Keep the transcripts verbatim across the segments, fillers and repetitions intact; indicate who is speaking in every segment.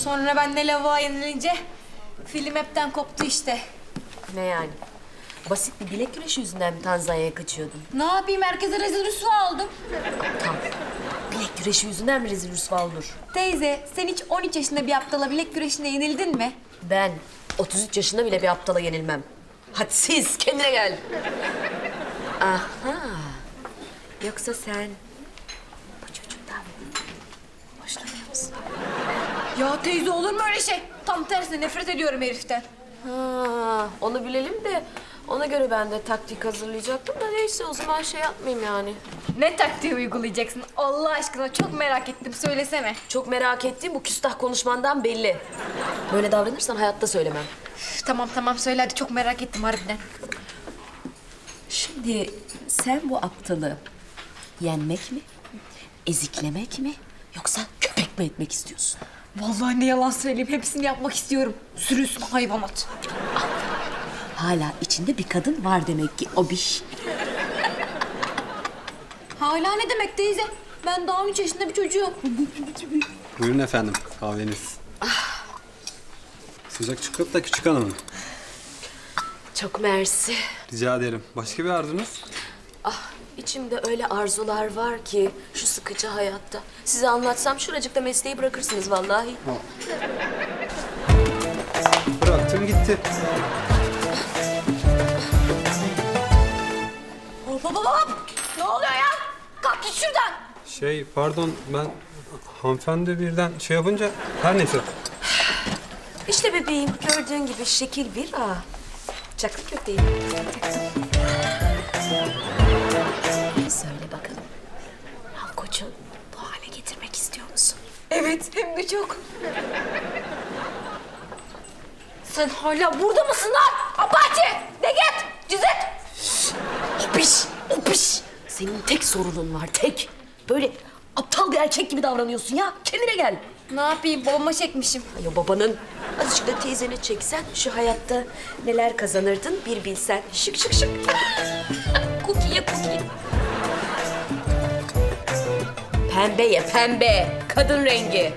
Speaker 1: Sonra ben de lavuğa yenilince film hepten koptu işte.
Speaker 2: Ne yani? Basit bir bilek güreşi yüzünden mi Tanzanya'ya kaçıyordun?
Speaker 1: Ne yapayım, herkese rezil rüsva oldum.
Speaker 2: Tam. Bilek güreşi yüzünden mi rezil rüsva olur?
Speaker 1: Teyze, sen hiç on üç yaşında bir aptala bilek güreşinde yenildin mi?
Speaker 2: Ben otuz üç yaşında bile bir aptala yenilmem. Hadi siz kendine gel. Aha. Yoksa sen bu çocuktan hoşlanıyor musun?
Speaker 1: Ya teyze, olur mu öyle şey? Tam tersine nefret ediyorum heriften.
Speaker 2: Ha, onu bilelim de ona göre ben de taktik hazırlayacaktım da neyse o zaman şey yapmayayım yani.
Speaker 1: Ne taktiği uygulayacaksın? Allah aşkına çok merak ettim, söylesene.
Speaker 2: Çok merak ettiğim bu küstah konuşmandan belli. Böyle davranırsan hayatta söylemem.
Speaker 1: Üf, tamam tamam söyle hadi, çok merak ettim harbiden.
Speaker 2: Şimdi sen bu aptalı yenmek mi, eziklemek mi yoksa köpek mi etmek istiyorsun?
Speaker 1: Vallahi ne yalan söyleyeyim, hepsini yapmak istiyorum. Sürüsün hayvanat.
Speaker 2: Hala içinde bir kadın var demek ki o bir.
Speaker 1: Hala ne demek teyze? Ben daha on üç yaşında bir çocuğum.
Speaker 3: Buyurun efendim, kahveniz. Sıcak çikolata küçük hanım.
Speaker 2: Çok mersi.
Speaker 3: Rica ederim. Başka bir arzunuz?
Speaker 2: Ah, içimde öyle arzular var ki şu sıkıcı hayatta. Size anlatsam şuracıkta mesleği bırakırsınız vallahi.
Speaker 3: Bıraktım gitti.
Speaker 1: Hop hop hop hop! Ne oluyor ya? Kalk git şuradan.
Speaker 3: Şey, pardon ben hanımefendi birden şey yapınca her neyse.
Speaker 2: İşte bebeğim gördüğün gibi şekil bir a. Çaklı köfteyim. Söyle bakalım. Malkoç'u bu hale getirmek istiyor musun?
Speaker 1: Evet, hem de çok. Sen hala burada mısın lan? Abati! De git! Cüzet!
Speaker 2: Opiş! Opiş! Senin tek sorunun var, tek. Böyle aptal bir erkek gibi davranıyorsun ya. Kendine gel.
Speaker 1: Ne yapayım, babama çekmişim.
Speaker 2: Ay o babanın. Azıcık da teyzene çeksen şu hayatta neler kazanırdın bir bilsen. Şık şık şık. Cookie ye cookie. Pembe ye pembe. Kadın rengi.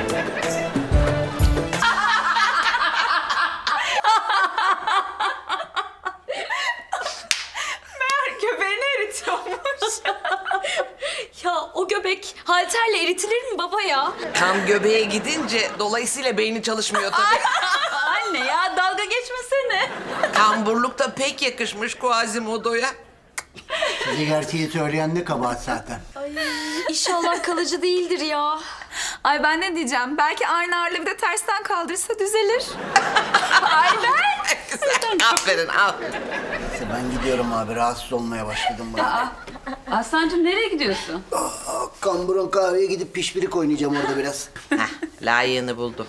Speaker 1: Göbeğini eritiyormuş.
Speaker 2: Ya o göbek halterle eritilir mi baba ya?
Speaker 4: Tam göbeğe gidince dolayısıyla beyni çalışmıyor tabii.
Speaker 1: Anne ya, dalga geçmesene.
Speaker 4: Kamburluk da pek yakışmış Quasimodo'ya.
Speaker 5: Size gerçeği söyleyen ne kabahat zaten.
Speaker 2: İnşallah kalıcı değildir ya.
Speaker 6: Ay ben ne diyeceğim? Belki aynı ağırlığı bir de tersten kaldırırsa düzelir.
Speaker 4: Güzel. Aferin al.
Speaker 5: Neyse ben gidiyorum abi, rahatsız olmaya başladım bana.
Speaker 6: Aslancığım nereye gidiyorsun?
Speaker 5: Aa, Kambur'un kahveye gidip pişpirik oynayacağım orada biraz.
Speaker 4: Heh, layığını buldum.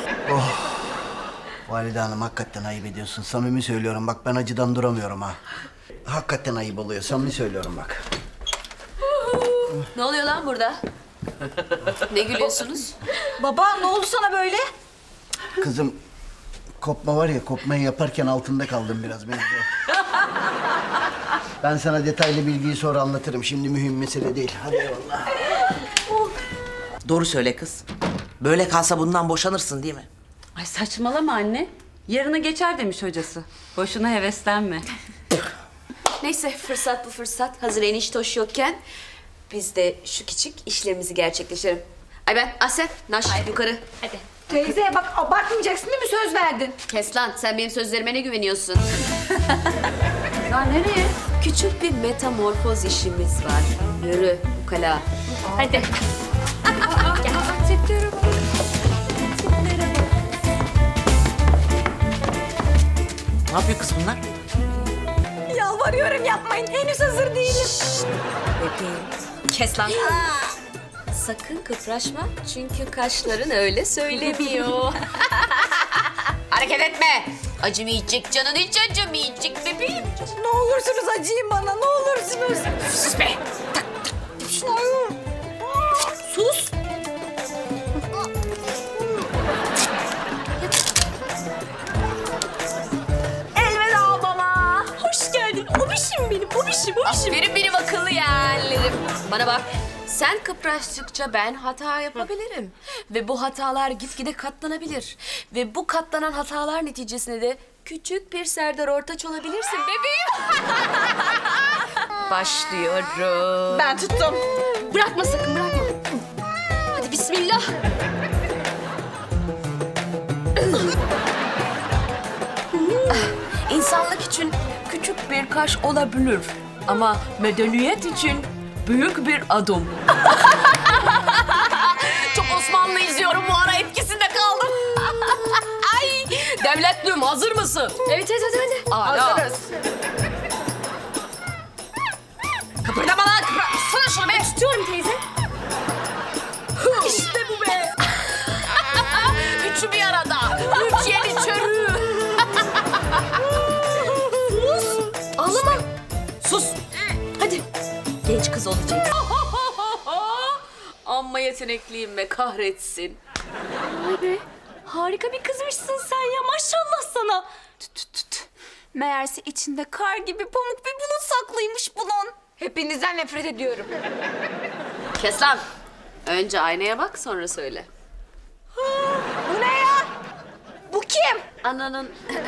Speaker 5: Valide Hanım hakikaten ayıp ediyorsun. Samimi söylüyorum bak, ben acıdan duramıyorum ha. Hakikaten ayıp oluyor, samimi söylüyorum bak.
Speaker 2: Ne oluyor lan burada? Ne gülüyorsunuz?
Speaker 1: Baba, ne oldu sana böyle?
Speaker 5: Kızım, kopma var ya, kopmayı yaparken altında kaldım biraz mevzu. Ben sana detaylı bilgiyi sonra anlatırım. Şimdi mühim mesele değil. Hadi eyvallah.
Speaker 4: Doğru söyle kız. Böyle kalsa bundan boşanırsın değil mi?
Speaker 6: Ay saçmalama anne. Yarına geçer demiş hocası. Boşuna heveslenme.
Speaker 2: Neyse fırsat bu fırsat. Hazır enişte hoş yokken biz de şu küçük işlerimizi gerçekleştirelim. Ay ben Asel, Naş yukarı. Hadi.
Speaker 1: Teyze bak, abartmayacaksın değil mi? Söz verdin.
Speaker 2: Kes lan sen benim sözlerime ne güveniyorsun?
Speaker 6: Ya nereye?
Speaker 2: Küçük bir metamorfoz işimiz var. Yürü ukala. Hadi.
Speaker 4: Ne yapıyor kız bunlar?
Speaker 1: Yalvarıyorum yapmayın, henüz hazır değilim.
Speaker 2: Bebeğim. Kes lan. Sakın kıpraşma çünkü kaşların öyle söylemiyor. Hareket etme. Acımayacak canın hiç acımayacak bebeğim.
Speaker 1: Ne olursunuz acıyın bana, ne olursunuz.
Speaker 2: Sus be. Sus.
Speaker 1: Elveda baba. Hoş geldin. Obişim benim, obişim, obişim.
Speaker 2: Aferin benim akıllı yeğenlerim. Bana bak. Sen kıpraştıkça ben hata yapabilirim. Ve bu hatalar gitgide katlanabilir. Ve bu katlanan hatalar neticesinde de küçük bir Serdar Ortaç olabilirsin bebeğim. Başlıyorum.
Speaker 1: Ben tuttum.
Speaker 2: Bırakma sakın, bırakma. Hadi bismillah. İnsanlık için küçük bir kaş olabilir. Ama medeniyet için büyük bir adım. Çok Osmanlı izliyorum bu ara, etkisinde kaldım. Ay, devletlüm hazır mısın? Evet, evet, hadi, hadi. Hazırız. Kıpırdama lan, kıpır. Sana şunu be. Tutuyorum teyze. İşte bu be. Üçü bir arada. Üç yeniçeri. Sus. Ağlama. Sus. Hadi. Genç kız olacaksın. Amma yetenekliyim be, kahretsin.
Speaker 1: Vay be. Harika bir kızmışsın sen ya. Maşallah sana. Tüt tüt tüt. Meğerse içinde kar gibi pamuk bir bulut saklıymış bunun. Hepinizden nefret ediyorum.
Speaker 2: Kes lan. Önce aynaya bak, sonra söyle.
Speaker 1: Bu ne ya? Bu kim?
Speaker 2: Ananın...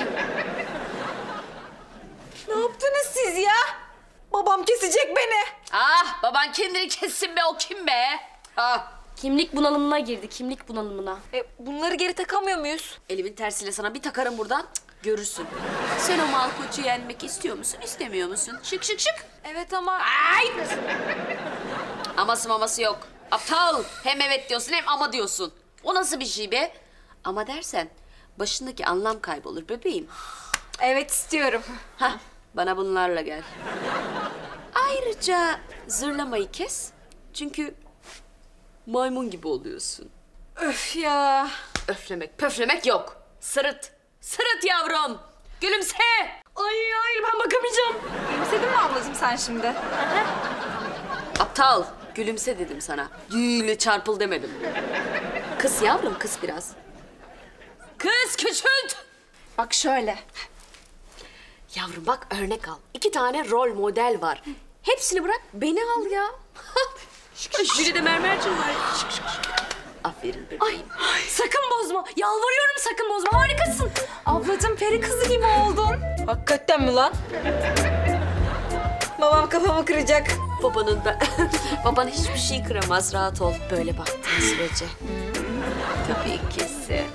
Speaker 1: Ne yaptınız siz ya? Babam kesecek beni.
Speaker 2: Ah, baban kendini kessin be, o kim be? Ah.
Speaker 7: Kimlik bunalımına girdi, kimlik bunalımına.
Speaker 1: E, bunları geri takamıyor muyuz?
Speaker 2: Elimin tersiyle sana bir takarım buradan, cık, görürsün. Sen o Malkoç'u yenmek istiyor musun, istemiyor musun? Şık şık şık.
Speaker 1: Evet ama...
Speaker 2: Ay! Aması maması yok. Aptal. Hem evet diyorsun hem ama diyorsun. O nasıl bir şey be? Ama dersen başındaki anlam kaybolur bebeğim.
Speaker 1: Evet istiyorum.
Speaker 2: Hah, bana bunlarla gel. Ayrıca zırlamayı kes. Çünkü maymun gibi oluyorsun.
Speaker 1: Öf ya.
Speaker 2: Öflemek, pöflemek yok. Sırıt. Sırıt yavrum. Gülümse.
Speaker 1: Ay hayır ben bakamayacağım. Gülümsedin mi ablacığım sen şimdi?
Speaker 2: Aptal. Gülümse dedim sana. Gül çarpıl demedim. Kız yavrum, kız biraz. Kız küçült.
Speaker 1: Bak şöyle.
Speaker 2: Yavrum bak, örnek al. İki tane rol model var. Hepsini bırak, beni al ya. Biri de mermercim var. Şık şık şık. Aferin bebeğim.
Speaker 1: Ay, sakın bozma. Yalvarıyorum sakın bozma. Harikasın. Ablacığım peri kızı gibi oldun. Hakikaten mi lan? Babam kafamı kıracak.
Speaker 2: Babanın ben... Baban hiçbir şey kıramaz, rahat ol. Böyle baktığın sürece. Tabii ki sen.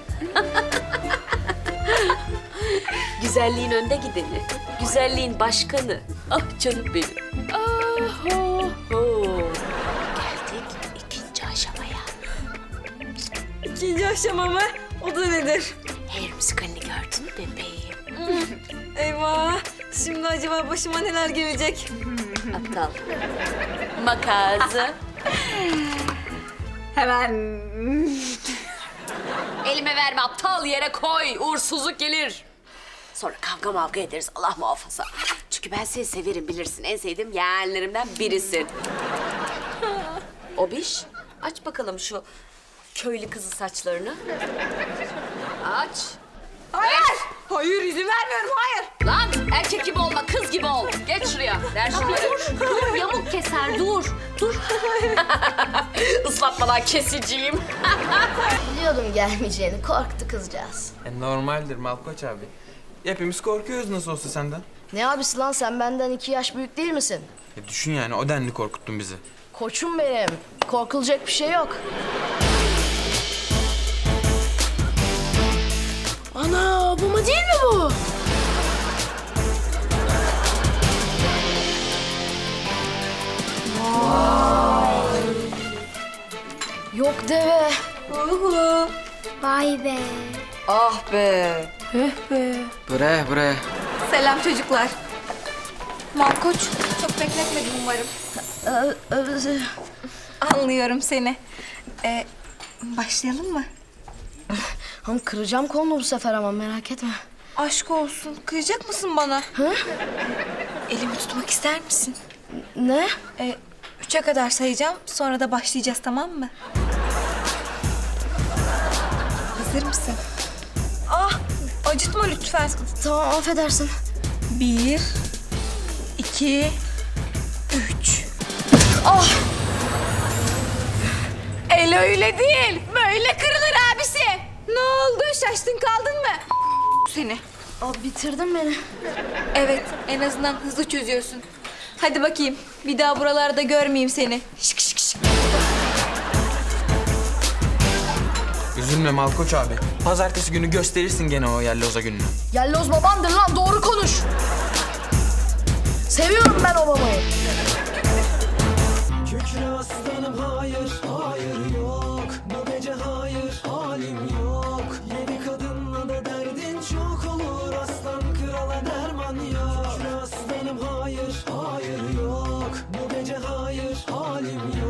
Speaker 2: Güzelliğin önde gideni. Güzelliğin başkanı. Ah canım benim. Ah, oh, oh. Geldik ikinci aşamaya.
Speaker 1: İkinci aşama mı? O da nedir?
Speaker 2: Hair müzikalini gördün mü bebeğim?
Speaker 1: Eyvah. Şimdi acaba başıma neler gelecek?
Speaker 2: Aptal. Makazı.
Speaker 1: Hemen.
Speaker 2: Elime verme aptal, yere koy. Uğursuzluk gelir. Sonra kavga mavga ederiz, Allah muhafaza. Çünkü ben seni severim, bilirsin. En sevdiğim yeğenlerimden birisin. Obiş, aç bakalım şu köylü kızı saçlarını. Aç.
Speaker 1: Hayır. Hayır izin vermiyorum hayır.
Speaker 2: Lan erkek gibi olma, kız gibi ol. Geç şuraya, ver şunları.
Speaker 7: Dur, yamuk keser, dur. Dur.
Speaker 2: Islatmadan kesiciyim.
Speaker 8: Biliyordum gelmeyeceğini. Korktu kızcağız.
Speaker 9: E, normaldir Malkoç abi. Hepimiz korkuyoruz nasıl olsa senden.
Speaker 8: Ne abisi lan sen benden iki yaş büyük değil misin?
Speaker 9: E, düşün yani o denli korkuttun bizi.
Speaker 8: Koçum benim. Korkulacak bir şey yok. Ana bu değil mi bu? Yok deve.
Speaker 7: Vay be.
Speaker 2: Ah be.
Speaker 9: Buraya buraya.
Speaker 1: Selam çocuklar. Malkoç çok bekletmedim umarım. Anlıyorum seni. Ee, başlayalım mı?
Speaker 8: Ham kıracağım kolunu bu sefer ama merak etme.
Speaker 1: Aşk olsun. Kıyacak mısın bana?
Speaker 8: Hı?
Speaker 1: Elimi tutmak ister misin?
Speaker 8: Ne?
Speaker 1: Ee, üçe kadar sayacağım. Sonra da başlayacağız tamam mı? Hazır mısın? Ah! Acıtma lütfen.
Speaker 8: Tamam affedersin.
Speaker 1: Bir, iki, üç. El öyle değil. Böyle kırılır abisi. Ne oldu? Şaştın kaldın mı? Seni.
Speaker 8: Abi bitirdin beni.
Speaker 1: Evet, en azından hızlı çözüyorsun. Hadi bakayım, bir daha buralarda görmeyeyim seni. Şık şık şık.
Speaker 9: Üzülme Malkoç abi. Pazartesi günü gösterirsin gene o yelloza gününü.
Speaker 8: Yelloz babandır lan, doğru konuş. Seviyorum ben o babayı.
Speaker 10: Kükre aslanım hayır, hayır yok. Bu gece hayır, halim yok. Yedi kadınla da derdin çok olur. Aslan krala derman yok. Kükre aslanım hayır, hayır yok. Bu gece hayır, halim yok.